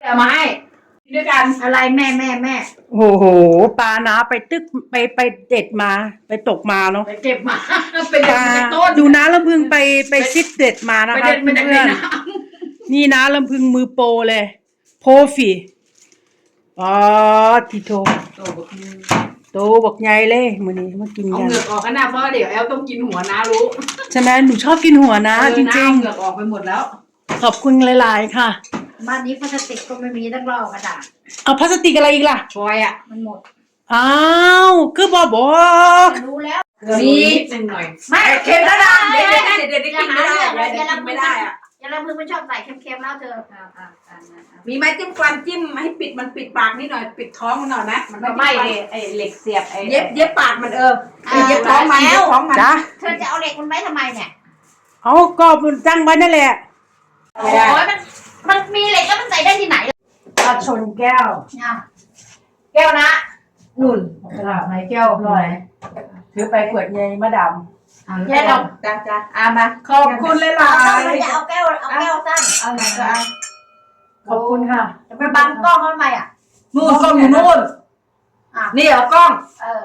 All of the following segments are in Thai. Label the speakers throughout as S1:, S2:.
S1: จะมาให้ด้วยกัน
S2: อะไรแม่
S3: โอ้โหปลานะไปตึกไปเด็ดมาไปตกมาเนาะ
S1: ไปเก็บมาเป็นต้น
S3: ดูนะลำพึงไปซิดเด็ดมานะคะเพื่อนๆนี่นะลำพึงมือโปรเลยโพฟีอ๋อทีโตโตบอกใหญ่เลยมื้อนี้มากินกัน
S1: เอาเหงือกออกกันนะเพราะเดี๋ยวแอลต้องกินหัวนะรู้
S3: ใช่ไหมหนูชอบกินหัวนะจริงๆ
S1: เหงือกออกไปหมดแล้ว
S3: ขอบคุณหลายๆค่ะ
S2: บ้านนี้พลาสติกก็ไม่มีต้องรอกระดาษ
S3: เอาพลาสติกอะไรอีกล่ะ
S1: ชอยอ่ะ
S2: มันหมด
S3: อ้าวคือบอก
S2: รู้แล้ว
S1: มีนิดนึงหน่อย
S2: ไม่
S1: เค็มแล้วนะเด็ดกินไม่ได้ไม่ได้อ่ะ
S2: อย่าละมึงมันชอบใส่เค็มๆแล้วเธอ
S1: มีไม้จิ้มฟันจิ้มให้ปิดมันปิดปากนิดหน่อยปิดท้องมันหน่อยนะมันไม่ไอเหล็กเสียบไอเย็บปากมันเย็บท้องมัน
S3: จ้ะ
S2: เธอจะเอาเหล็กมันไว้ทำไมเนี่ย
S3: เอาก็มันตั้งไว้นั่นแหละ
S2: โอ้ยมันมีเหล็กแล้วมันใส่ได้ที่ไหน
S3: ชนแก้ว
S2: แก้วนะ
S3: นุ่นไหนแก้วหน่อยถือไปขวดใหญ่มาดำ
S1: แก้วจ้ามา
S3: ขอบคุณหลาย
S2: ๆอย่าเอาแก้วสั้น
S1: เอาไหนก็เอา
S3: ขอบคุณค่ะ
S2: จะไปบังกล้องทำไมอ่ะ
S1: นู่นกล้องอยู่นู่นนี่เหรอกล้อง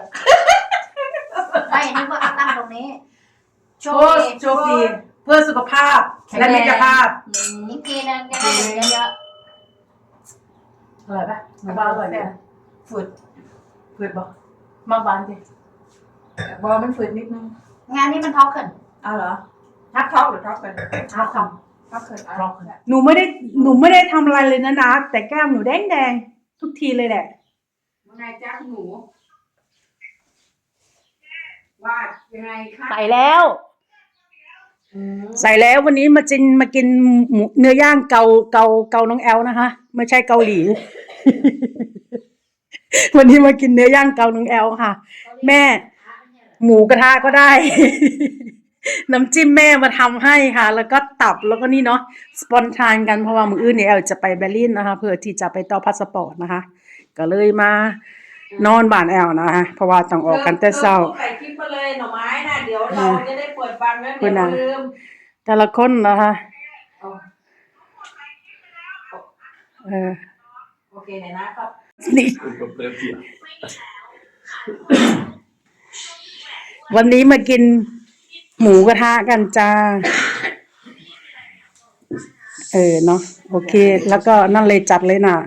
S2: ไม่นึกว่าตั้งตรงนี้
S3: โชคดีเพื่อสุขภาพและมิตรภาพ
S2: นี่กินนะแกได้เยอะ
S3: อร่อยปะบ้าอร่อยไหมฝืดบ่มากบานสิ
S1: บอมันฝืดนิดนึง
S2: งานนี้มันท็อกเกิน
S1: เอาเหรอทักท็อกหรือท็อกเกิน
S2: ท็อกค
S1: ำท็อกเกิน
S3: หนูไม่ได้ทำอะไรเลยนะแต่แก้มหนูแดงทุกทีเลยแหละ
S1: ยังไงจ้าหนูว่ายังไงคะ
S3: ใส่แล้ววันนี้มากินเนื้อย่างเกาน้องแอลนะคะไม่ใช่เกาหลี วันนี้มากินเนื้อย่างเกาน้องแอลค่ะแม่หมูกระทะก็ได้ น้ำจิ้มแม่มาทำให้ค่ะแล้วก็ตับแล้วก็นี่เนาะสปอนทานกันเพราะว่ามื้ออื่นเนี่ยแอลจะไปเบอร์ลินนะคะเพื่อที่จะไปต่อพาสปอร์ตนะคะก็เลยมานอนบ้านแอลนะคะเพราะว่าต้องออกกันแต่เช้า
S1: ใส่คลิปมาเลยหน่อไม้นะเดี๋ยวเราจะได้เปิดฟังแล้วเดี๋ยวลืม
S3: แต่ละคนนะคะ
S1: โอเคไหนนะครับ
S3: นี่วันนี้มากินหมูกระทะกันจ้าเนาะโอเคแล้วก็นั่นเลยจัดเลยน่ะ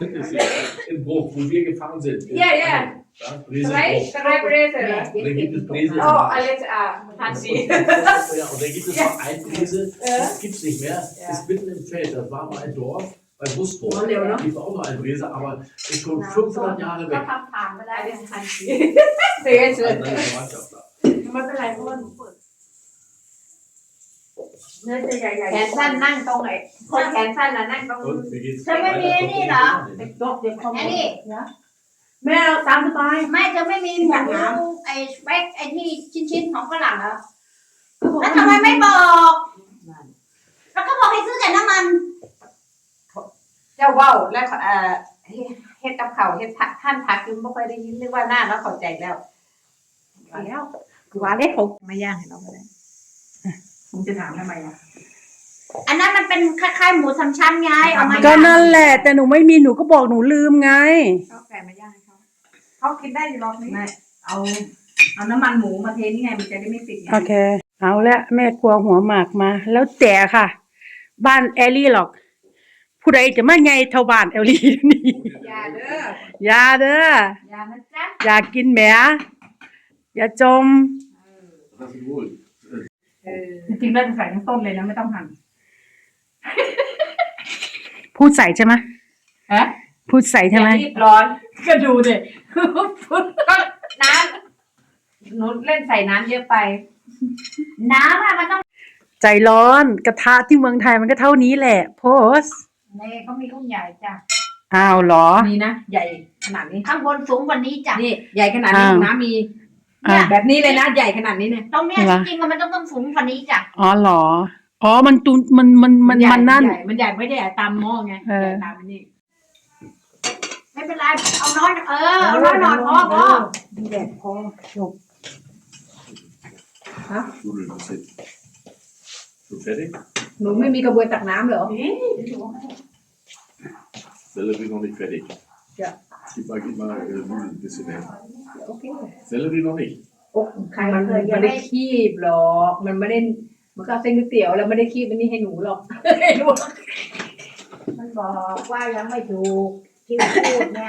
S1: Yeah. Drei Bräse.
S4: Dann gibt es Bräse.
S1: Oh, alles Hansi.
S4: Ja, und dann gibt es noch ein Bräse, das gibt es nicht mehr, ist mitten im Feld. Das war mal ein Dorf bei Busburg. Da gibt es auch noch ein Bräse, aber ist schon 500 Jahre weg.
S1: Alles Hansi. Sehr schön. ไม่เป็นไรเพราะว่าหนูเปิดเนื้อจะใหญ่ๆแขนสั้นนั่งตรงไหนคนแขนสั้นน่ะนั่งตรง
S2: เธอไม่มีนี่เหรออันนี้
S3: แม่ตามสบาย
S2: ไม่เธอไม่มีหมูไอ้สเปกไอ้ที่ชิ้นๆของฝรั่งเหรอแล้วทำไมไม่บอกแล้วก็บอกให้ซื้อแต่น้ำมัน
S1: เจ้าว่าวแล้วเฮ็ดกับเขาเฮ็ดท่านพักยังไม่ค่อยได้ยินเรียกว่าหน้าแล้วเข้าใจแล้ว
S3: ว่าเลยเขา
S1: มาย่างให้เราไม่ได้ผมจะถามทำไมอ่ะ
S2: อันนั้นมันเป็นคล้ายๆหมูสามชั้นไงเอามา
S3: ก็นั่นแหละแต่หนูไม่มีหนูก็บอกหนูลืมไง
S1: เขาแกะมาย่างให้เขากินได้อยู่รอบนี้เอาน้ำมันหมูมาเทนี่ไงมันจะได้ไม่ติด
S3: โอเคเอาละแม่ครัวหัวหมากมาแล้วแต่ค่ะบ้านแอลลี่หรอกผู้ใดจะมาไงเท่าบ้านแอลลี่นี่
S1: อย่าเด้
S3: อย่า
S1: นะจ๊ะ
S3: อย่ากินแหมอย่าจม
S1: จริงๆเราจะใส่ทั้งต้นเลยนะไม่ต้องหั่น
S3: พูดใส่ใช่ไหมพูดใส่ใช่ไหม
S1: รีบร้อนก็ดูดิก็น้ำหนูเล่นใส่น้ำเยอะไป
S2: น้ำอะมันต้อง
S3: ใจร้อนกระทะที่เมืองไทยมันก็เท่านี้แหละโพส
S2: นี่เขามีรุ่นใหญ่จ้ะ
S3: อ้าวเหรอ
S1: นี่นะใหญ่ขนาดนี้
S2: ข้างบนสูงกว่านี้จ้ะ
S1: นี่ใหญ่ขนาดนี้น้ำมีแบบนี้เลยนะใหญ่ขนาดนี้เนี่ย
S2: ตรงเนี้ยจริงๆมันต้องสูงกว่านี้จ้ะ
S3: อ๋อเหรออ๋อมันตูนมันนั่น
S1: มันใหญ่ไม่ได้ใหญ่ตามหม้อไงใหญ่ตามนี่
S2: ไม่เป็นไรเอาน้อยเอาน้อยหน่อยพอ
S3: แดดพอจบ
S1: ฮะหนูไม่มีกระบวยตักน้ำเหรอ
S4: Sellerie noch nicht fertig.
S1: Ja.
S4: Gib mal Nudeln ein bisschen her.
S1: โอเค
S4: Sellerie noch nicht.
S1: โอ้มันไม่ได้คีบหรอกมันไม่ได้มันก็เอาเส้นก๋วยเตี๋ยวแล้วไม่ได้คีบอันนี้ให้หนูหรอก ให้หนู
S2: มันบอกว่ายังไม่ถูกที่พูดเนี่ย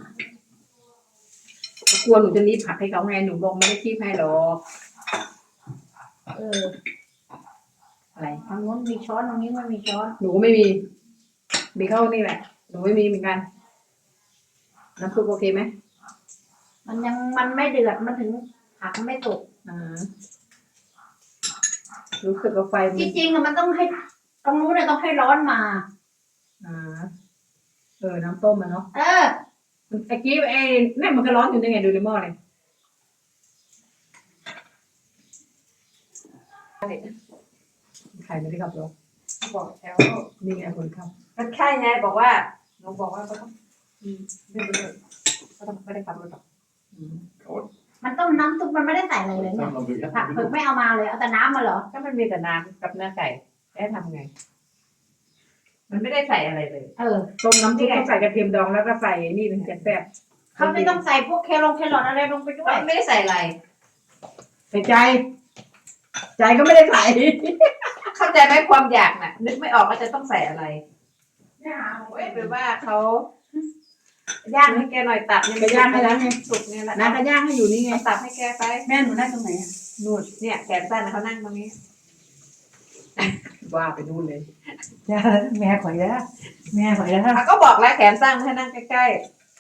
S1: กลัวหนูจะรีบผักให้เขาไงหนูบอกไม่ได้คีบให้หรอก
S2: เออ
S1: อะไร
S2: ทางนู้นมีช้อนตรงนี้ไม่มีช้อน
S1: หนูก็ไม่มีเข้านี่แหละหนูไม่มีเหมือนกันน้ำซุปโอเคไหม
S2: มันไม่เดือดมันถึงผักมันไม่สุก
S1: รู้สึกว่าไฟมั
S2: จ
S1: น
S2: ริงๆอะมันต้องให้ตรงนู้นเนี่ยต้องให้ร้อนมา
S1: น้ำต้มมันเนาะ
S2: เออ
S1: ตะกี้นั่นมันก็ร้อนอยู่นี่ไงดูในหม้อเลยใครไม่ได้ขับรถ
S5: บอกแถว
S1: นี่ไงคนขับ
S5: ก็ใช่ไงบอกว่าหนูบอกว่าก็ต้องไม่ได้ก็ต้องไม่ได้ขับรถหรอก
S2: มันต้มน้ำซุปมันไม่ได้ใส่อะไรเลยเนี่ย
S4: Dann haben wir
S2: ผัก
S4: erst
S2: เผือกไม่เอามาเลยเอาแต่น้ำมาเหรอ
S5: ถ้ามันมีแต่น้ำกับเนื้อไก่แล้วทำไง มันไม่ได้ใส่อะไรเลย
S2: เออ
S1: ต้มน้ำซุปก็ใส่กระเทียมดองแล้วก็ใส่นี่เป็นแซ่บ
S2: เขาไม่ต้องใส่พวกแครอทอะไรลงไปด้วย
S5: ไม่ได้ใส่อะไร
S1: ใส่ใจก็ไม่ได้ใส่
S5: เข้าใจไหมความอยากน่ะ นึกไม่ออกว่าจะต้องใส่อะไรเว้ยเป็นว่าเขาย่างให้แกหน่อยตับเนี่ย
S1: ไปย่างให้แล้วไง
S5: สุกเนี่ยแหละ
S1: น้าก็ย่างให้อยู่นี่ไง
S5: ตับให้แกไป
S3: แม่หนูนั่งตรงไหนอะ
S5: นู่นเนี่ยแขนสั้นเขานั่งตรงนี้
S1: ว่าไปนู่นเลย
S3: จ้าแม่ขอยแล้วแม่ขอยแล้ว
S5: เขาก็บอกแล้วแขนสั้นให้นั่งใกล้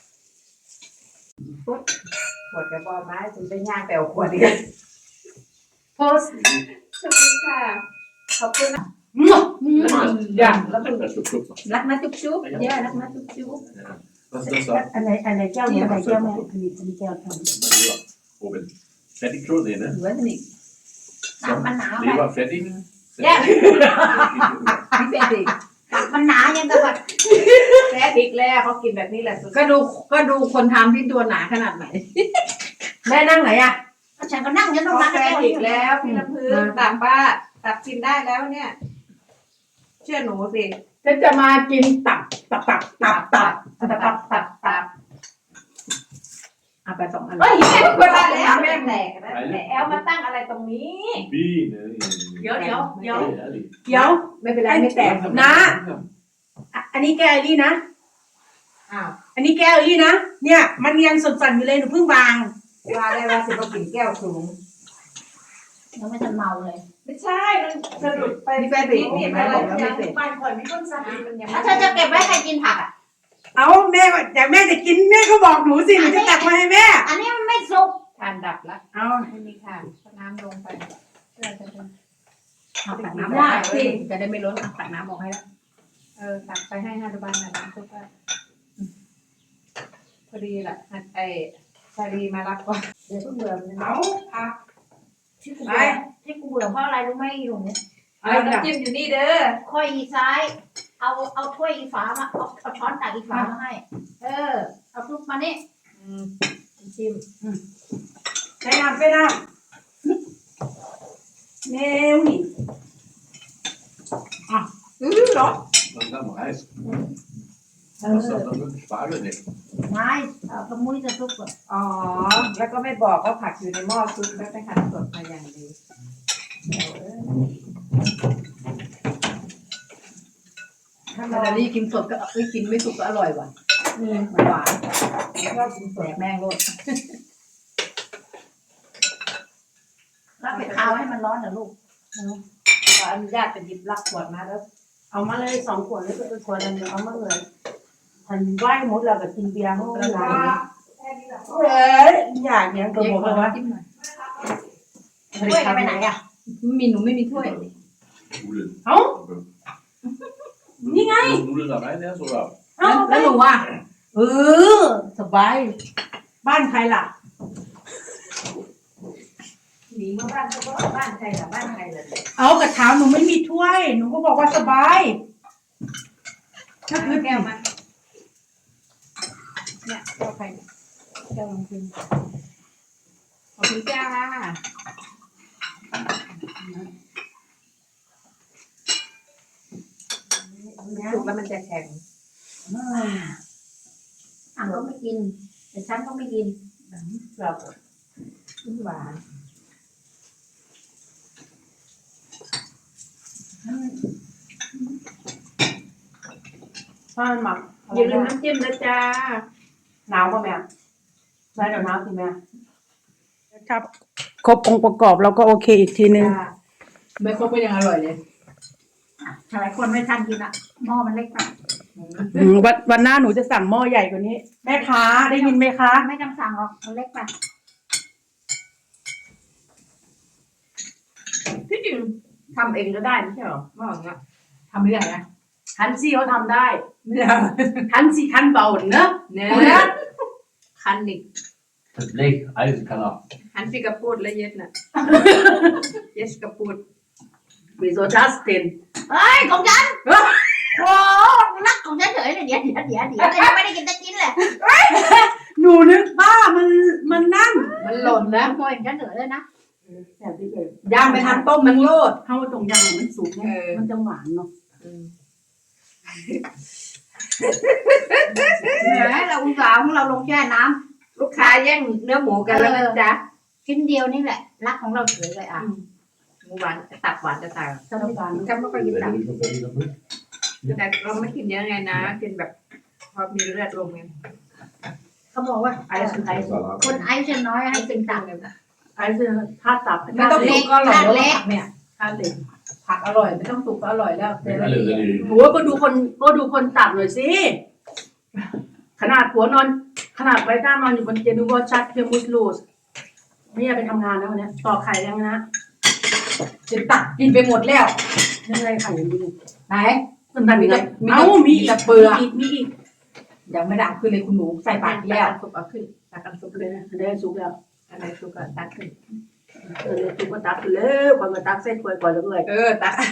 S5: ๆปุ๊บขวดกระบอกไม้ถึงไปย่างไปเอาขวดอีก
S1: โพส
S5: สวัสดีค่ะขอบคุณนะ
S1: ย่าง
S4: Das ist Schluck noch.
S5: รักนะจุ๊บจุ๊บเยอะรักนะจุ๊บจุ๊บ
S4: Ja. Was ist das da?
S3: อันไหนแก้วเนี่ยอันไหนแก้วแม่อันนี้แก้วทำ
S4: Leber. Oben. Fertig schon? Nee, ne?
S1: เหลือสนิท
S2: ตับมันหนาไป
S4: Leber fertig?
S5: แย่
S1: พี่เบสิ
S2: ตับมันหนายังกับแบบ
S5: แซ่บอีกแล้วเขากินแบบนี้แหละสุด
S1: ก็ดูคนทำที่ตัวหนาขนาดไหน
S3: แม่นั่งไหนอะ
S2: ฉันก็นั่งยันตรงนั้น
S5: แซ่บอีกแล้วพี่น้ำพึ่งตับป้าตับกินได้แล้วเนี่ย เชื่อหนูสิ
S1: ฉันจะมากินตับเอาไป2 อัน
S5: เฮ้ยแม่ควรมาแล้วแม่แตกนะแอลมาตั้งอะไรตรงนี้
S4: Biene.
S5: เดี๋ยว
S4: Ehrlich.
S3: เดี๋ยว
S1: ไม่เป็นไรไม่แตก
S3: นะ อันนี้แก้วไอ้นี่นะ
S5: อ้าว
S3: อันนี้แก้วไอ้นี่นะเนี่ยมันยังสั่นๆอยู่เลยหนูเพิ่งวาง
S5: ว่าได้ว่าสิบกินแก้วสูง
S2: ยังไม่ทันเมาเลย
S5: ไม่ใช่มันสรุปไปแฟนนี่นี่อะไรยังบ้านคอยไม่ต้นสามีมันยัง
S2: ถ้าเธอจะเก็บไว้ใครกินผักอ่ะ
S3: เอาแม่แต่แม่จะกินแม่ก็บอกหนูสิหนูจะตักมาให้แม่
S2: อันนี้มันไม่สุก
S5: ทานดับละ
S3: เอา
S5: ไม่มีทานน้ำลงไป
S1: เอาตักน้ำได้สิจะได้ไม่ล้นตักน้ำออกให้แล้ว
S5: ตักไปให้5 บาทนะน้ำซุปพอดีแหละไอ้ชาลีมารับก่อน
S2: เดี๋ยวเพิ่งเบื่อเลยนะ
S3: เอาผัก
S2: ที่กูเบื่อเพราะอะไรรู้ไหมลุงเนี่ย
S5: เอาน้ำจิ้มอยู่นี่เด้อ
S2: ค่อยอีซ้าย เอาถ้วยอีฝามาเอาช้อนตักอีฝามาให้ เอาซุปมานี่
S5: น้ำจิ้ม
S3: ไปน้ำแมวนี่
S5: เหรอ
S4: Langsam Reis. Was ist das denn mit dem Spargel nicht?
S2: ไม่เอากระมุ้ยจะซุปก่อน
S5: อ๋อ แล้วก็ไม่บอกว่าผักอยู่ในหม้อซุปแล้วไปหั่นสดมาอย่างดี
S1: ถ้าเราดีกินสดก็กินไม่สุกก็อร่อยว่ะหวานชอบกินสดแม่งโลด
S2: แล้วไปคาวให้มันร้อนเหรอลูก
S5: ขออนุญาตไปหยิบรับขวดมาแล้ว
S3: เอามาเลย2 ขวดแล้วก็ขวดนึงเอามาเลยทันไหว้หมดแล้วก็กินเบียร์เขาก็ลาเฮ้ยอยากยังก็บอกว่า
S1: จิ้มหน่อย
S2: ถ้วยจะไปไหนอ่ะ
S1: หนูไม่มีถ้วย
S4: Nudeln.
S3: เอ้า
S4: นี่ไง Nudeln da rein erst oder?
S1: แล้วหนูอ่ะ
S3: สบายบ้านใครล่ะ
S5: หนีมาบ้านเขาก็บ้านใครล่ะบ้านใครล่ะ
S3: เอากระถามหนูไม่มีถ้วย หนูก็บอกว่าสบายถ้าคือ
S5: แก้วมาเนี่ยแก้วใครเนี่ยแก้วลงทุนขอบคุณแก้วค่ะสุกแล้วมันจะแข็ง
S2: อ่างก็ไม่กินแต่ฉันก็ไม่กิน
S5: แบบหวาน
S3: ถ้ามันหมัก
S5: อย่าลืมน้ำจิ้มนะจ๊ะ
S3: หนาวป่ะแม่ใช่เดี๋ยวหนาวสิแม่ครับครบองค์ประกอบเราก็โอเคอีกทีนึง
S1: ไม่ครบก็ยังอร่อยเลย
S2: หลายคนไม่ทันกินอ่ะหม้อมันเล็กไป
S3: วันหน้าหนูจะสั่งหม้อใหญ่กว่านี้ แม่ค้าได้ยินไหมคะ
S2: ไม่ต้องสั่งหรอกมันเล็กไป
S5: ที่จริงทำเองก็ได้ไม่ใช่หรอว่าอย่างเงี้ย
S1: ทำไม่ได้นะ
S3: ฮันซี่เขาทำได้
S1: เนี่ย
S3: ฮันซี่คันเบาเนอะ
S5: เนี่ยคันอีก
S4: Het leeg ijzerkanaal.
S5: หันสิกระปูดและเย็ดน่ะ เย็ดกระปูด
S3: วิโซจัสติน
S2: เฮ้ยของฉันโอ้รักของฉันเฉยเลยเดี๋ยวยังไม่ได้กินตะกินเลย
S3: หนูนึกว่ามันนั่น
S5: มันหล่นแล้ว
S2: โมยฉันเฉยเลยนะ
S3: แต่ที่เลย
S1: ย่างไปทำต้มมันโลด
S3: เข้าตรงยางมันสุกไง
S5: เออ
S3: มันจะหวานเนาะ
S2: แหมเราอุตส่าห์ของเราลงแช่น้
S5: ลูกค้าแย่งเนื้อหมูกันแล้วนะจ๊ะ
S2: ำชิ้นเดียวนี่แหละรักของเราเฉยเลยอ่ะ
S5: หมูหวานตับหวานจะตาย
S3: จะไม่หวาน
S2: ฉันไม่ค่อยกินตับ
S5: แต่เราไม่กินเยอะไงนะกินแบบพอมีเลือดลมไง
S2: เขาบอกว่า
S3: ไอซ์ไอซ์
S2: คนไอซ์น้อยให้กินตับ
S3: ไอซ์ถ้าตับ
S1: ไม่ต้องสุกก็อร่อยแล้ว
S2: เล็ก
S1: ผักเนี่ย
S3: ถ้าเล็ก
S1: ผักอร่อยไม่ต้องสุกก็อร่อยแล้วแต่ละที
S3: โหก็ดูคนตับหน่อยสิขนาดผัวนอน ขนาดไว้ก้านอนอยู่บนเตียงดูว่าชัดเพียงมุสลูสไม่อยากไปทำงานแล้ววันนี้ต่อไข่ยังนะ
S1: จะตักกินไปหมดแล้ว
S3: ยังไงไข่ยังดี
S1: ไหน
S3: มันดันมี
S1: มีแต่เปลือก
S3: มีอีก
S1: ยังไม่ดังขึ้นเลยคุณหนูใส่ปากแล้ว
S5: ซุปเอาขึ้นตักกันซุปเลยนะ
S3: ได้สุกแล้ว
S5: อะไรซุปก็ตักขึ้น
S3: สุกก็ตักเลยก่อนมาตักเส้นกล้วยก่อนเลย
S5: ตัก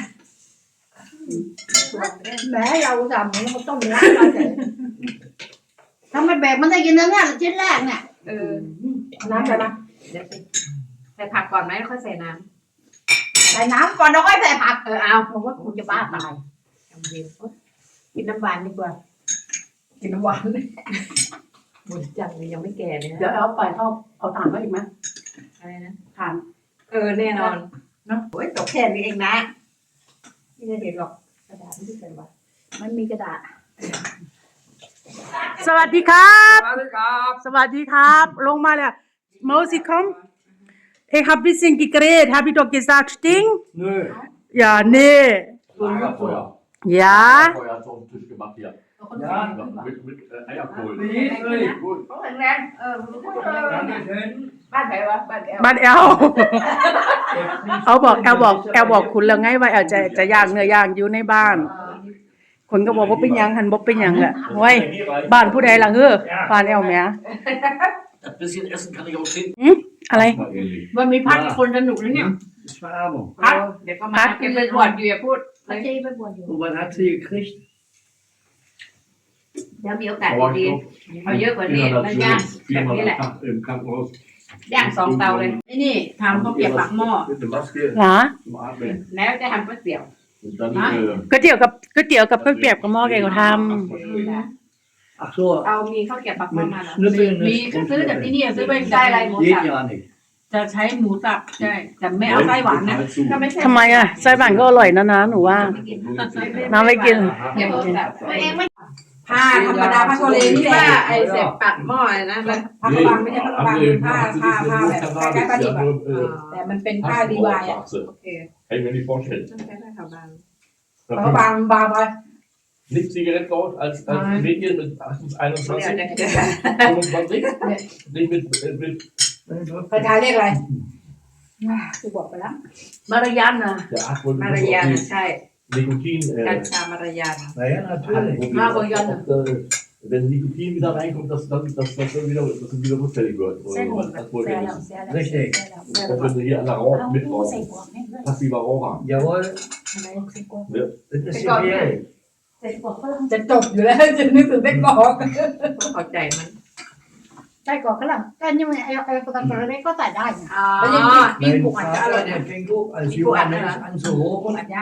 S2: แหมเราอุตส่าห์มันก็ต้มรักมาเฉยทำไมแบกมันได้กินแล้วเนี่ยชิ้นแรกเนี่ย
S3: น้ำใส่มา
S5: เดี๋ยวสิใส่ผักก่อนไหมค่อยใส่น้
S2: ใส่น้ำก่อนแล้วค่อยใส่ผัก
S5: ำเอา
S2: ผมว่าคุณจะบ้าตาย
S5: กินน้ำหวานดีกว่า
S1: กินน้ำหวาน
S5: หมดจังเลยยังไม่แก่เลย
S3: เดี๋ยว
S5: นะ
S3: เอาไปเอาถ่านมาอีกไหม
S5: อะไรนะ
S3: ถ่าน
S5: แน่นอนเนาะโอ้ยตกแค่นี้เองนะไม่ได้เห็นหรอกกระดาษไม่ได้ใส่ไว้
S2: มันมีกระดาษ
S3: สวัสดีครับ สวัสดีครับ ลงมาแล้วเมาสิคอมIch habe ein bisschen gegrillt. Habe ich doch gesagt, stinkt?
S4: Nö.
S3: Ja, nee.
S4: Lagerfeuer.
S3: Ja.
S4: Lagerfeuer hat so einen Tisch gemacht hier.
S6: Ja,
S4: Mit Eierkohl.
S6: Gut.
S5: เขาแข็งแรง
S6: Dankeschön.
S5: บ้านไหนวะบ้านแอล
S3: บ้านแอล เขาบอกแอลบอกคุณแล้วไงว่าแอลจะย่างเนื้อย่างอยู่ในบ้าน คนก็บอกว่าเป็นหยังหันบอกเป็นหยังแหละเว้ยบ้านผู้ใดล่ะเฮ้อบ้านแอลแหม่
S4: Ein bisschen Essen kann ich auch schenken.
S3: อะไร
S4: Mal ehrlich.
S5: มันมีพัดคนสนุกเลยเนี่ย
S6: Schwarmung.
S5: พัดเดี๋ยวก็มาเก็บไปบวชอยู่อย่าพูด
S2: มันจะไปบวชอยู่
S6: Und was hat sie gekriegt?
S5: เดี๋ยวมีโอกาส
S4: Aber
S5: ดี
S4: ich
S5: ๆเอาเยอะกว่านี้มันย่างแบบ
S4: viermal
S5: นี้แหละ
S4: am Tag im Krankenhaus.
S5: ย่างสองเตาเลยนี่ทำข้าวเกรี๊ยวปากหม้อ
S4: Mit der Maske
S3: เหรอ
S4: zum Atmen.
S5: แล้วจะทำก๋วยเตี๋ยว
S4: Und dann
S5: Ah.
S3: ก๋วยเตี๋ยวกับข้าวเปียกกับหม้อแกงเขาท
S6: Ach so,
S5: เอามีข้าวเกรี๊ยวปากหม้อ
S6: mit
S5: มาแล้ว
S6: Schnüffeln
S1: มี
S6: ist
S1: ก็ซื้อจากที่นี่ซื้อไป
S5: ใส่อะไรหมู
S6: Geht
S5: สับ
S6: ja nicht.
S1: จะใช้หมูสับใช่แต่ไม่เอาไส้หวานนะ
S5: ถ้าไม่ใช่
S3: ำทำไมอ่ะไส้หวานก็อร่อยนะหนูว่า น้ำไม่กิน
S5: เดี๋ยวหมูสับ
S2: ตัวเองไม่
S1: ผ้าธรรมดาผ้าโทเลนี่แห
S5: ว่า
S1: ละ
S5: ไอ้เสียบปากหม้อนะแล้ว
S1: ผ้ากระบังไม่ใช่ผ้ากระบังเป็นผ้าแบบใกล้ๆผ้าดิบอะแต่มันเป็นผ้าดีวายอะ
S5: โอเค
S4: Kann ich mir nicht vorstellen.
S5: ต้องใช้ผ้าขาวบาง
S1: ผ้ากระบังบางไป
S4: Nicht Zigarettenrauch als
S1: Nein.
S4: Mädchen mit 21,
S5: เนี่ย
S4: 25, nicht mit
S1: ประธานเรียกอะไรกูบอกไปแล้ว
S3: มารยาทนะ
S4: der 8 Wochen
S5: มารยาทใช่
S4: Nikotin.
S5: กัญชามารยาท
S6: Naja, natürlich.
S4: Wenn Nikotin wieder reinkommt, dass dann wieder rückfällig wird. Das wollte ich wissen.
S6: Richtig.
S4: Und wenn du hier an der Rauch mitrauchen, passiver Raucher.
S6: Jawohl. Das ist schwierig.
S1: จะจบอยู่แล้วจะนึกถึงได้ก่อน
S5: ต้องเข้าใจมัน
S2: ใส่ก่อนก็หลังแต่ยังไงไอ้คนตะกร้ก็ใส่ได้นะ
S5: อ๋อ
S1: แล้วยังมี
S6: Mein
S1: กุ้งอาจจะอร่อย
S6: Vater,
S1: เนี่ย
S6: der fängt auch als junger Mensch an zu
S1: กุ้ง
S6: rauchen.
S1: อัดย่าง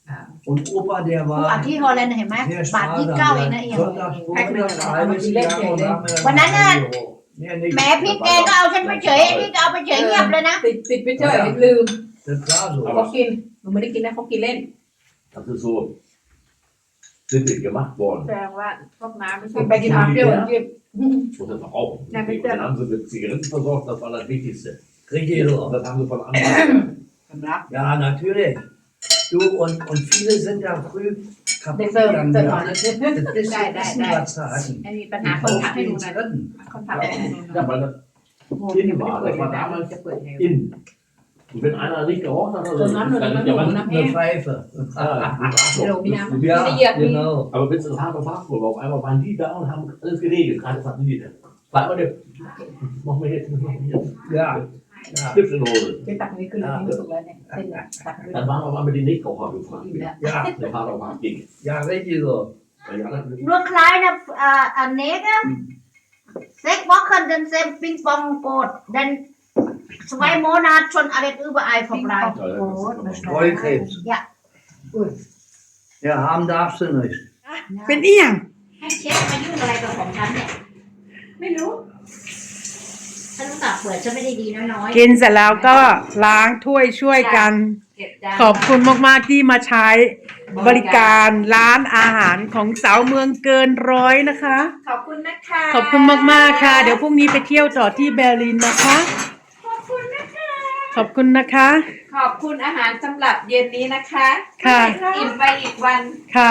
S6: Und Opa, der
S2: ผู้อ่าน
S6: war
S2: ที่ฮอลแลนด์เห็นไหม
S6: sehr
S2: บาท 29 เองนะเอียง
S6: Sonntagsvormittags, halbes Jahr und da haben wir dann
S2: วันนั้นน่ะ
S6: €1. Nee, nicht.
S2: แหม้พี่แกก็เอาฉันไปเฉยไอ้นี่ก็เอาไปเฉยเงียบเลยนะ
S1: ติดไปเฉยลืม
S6: Das war so.
S1: เขากินหนูไม่ได้กินนะเขากินเล่น
S4: Das ist so sinnlich gemacht worden.
S5: แสดงว่าพวกน้ำไม่ใช่
S1: กินไปกินมาเปรี้ยวจิ้ม
S4: Und das Rauchen.
S1: Ja, mit
S4: Und dann haben sie mit Zigaretten versorgt, das war das Wichtigste.
S6: Richtig so.
S4: Und das haben sie von anderen.
S1: สำรับ
S6: Ja, natürlich. Du, und viele sind da früh
S1: เด็ก
S6: kaputt
S1: เสิร์ฟ
S6: gegangen.
S1: เสิร์ฟ
S6: Ja.
S1: หน่อยนะ
S6: Das ist
S1: Nein, nein,
S6: Essen
S1: nein.
S6: was sagen.
S1: มีปัญหาคนทักให้ดู
S6: Auf
S1: หน่อย
S6: den Dritten.
S1: คนทักให้ดูหน่อย
S4: Ja, weil das
S1: โอ้โหยังไม่ได้เปิดเลยนะจะเปิดไง
S4: innen. Und wenn einer nicht geraucht hat, also,
S1: So, Name,
S4: dann,
S1: Name,
S4: ja, man,
S1: Name.
S6: Eine Pfeife.
S4: ja,
S6: Ja, genau.
S4: aber wenn es das harte Fachwort war, auf einmal waren die da und haben alles geregelt. Gerade sagten die, bleib mal, mach mir jetzt,
S6: Ja. Ja.
S4: Stift in die Hose.
S1: ไปตักนี้ขึ้นเลยไม่สุกแล้วเนี่ยเส้นเนี่ยตักเลย
S4: Dann waren auf einmal die Nichtraucher gefragt.
S1: อิ่มแล้ว
S6: Ja,
S4: Der Vater war gegen.
S6: ja, richtig so.
S4: Weil die anderen,
S2: nur kleine Nägel 6 Wochen dann sind Ping-Pong-Boot dann 2 Monate schon alles überall verbleibt
S6: Streukrebs.
S2: Ja.
S6: Ja, haben darfst du nicht.
S3: เป็นเอียง
S2: ให้เชฟมายุ่งอะไรกับของฉันเนี่ย
S1: ไม่รู้
S2: ฉันรู้จักเปิดฉันไม่ได้ดีน้อย
S3: กินเสร็จแล้วก็ล้างถ้วยช่วยกัน
S1: เก็บจาน
S3: ขอบคุณมากๆที่มาใช้บริการร้านอาหารของสาวเมืองเกินร้อยนะคะ
S1: ขอบคุณนะคะ
S3: ขอบคุณมากๆค่ะ เดี๋ยวพรุ่งนี้ไปเที่ยวต่อที่เบอร์ลินนะคะ
S1: ขอบคุณนะคะ
S3: ขอบคุณนะคะ
S1: ขอบคุณอาหารสำหรับเย็นนี้นะคะ
S3: ค่ะ
S1: อิ่มไปอีกวัน
S3: ค่ะ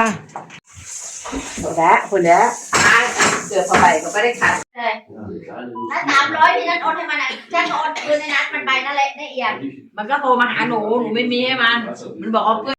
S1: คนแล้วเกือบเข้าไปก็ไม่ได้ขัด
S2: ๆเลย
S4: ja, die kleine
S2: ถ้า
S4: Industrie.
S2: 300ที่ฉันโอนให้มันอ่ะฉันก็โอนคืนในนัดมันไปนั่นแหละในเอียง
S1: มันก็โทรมาหาหนูไม่มีให้มัน มันบอกเอาเพื่อน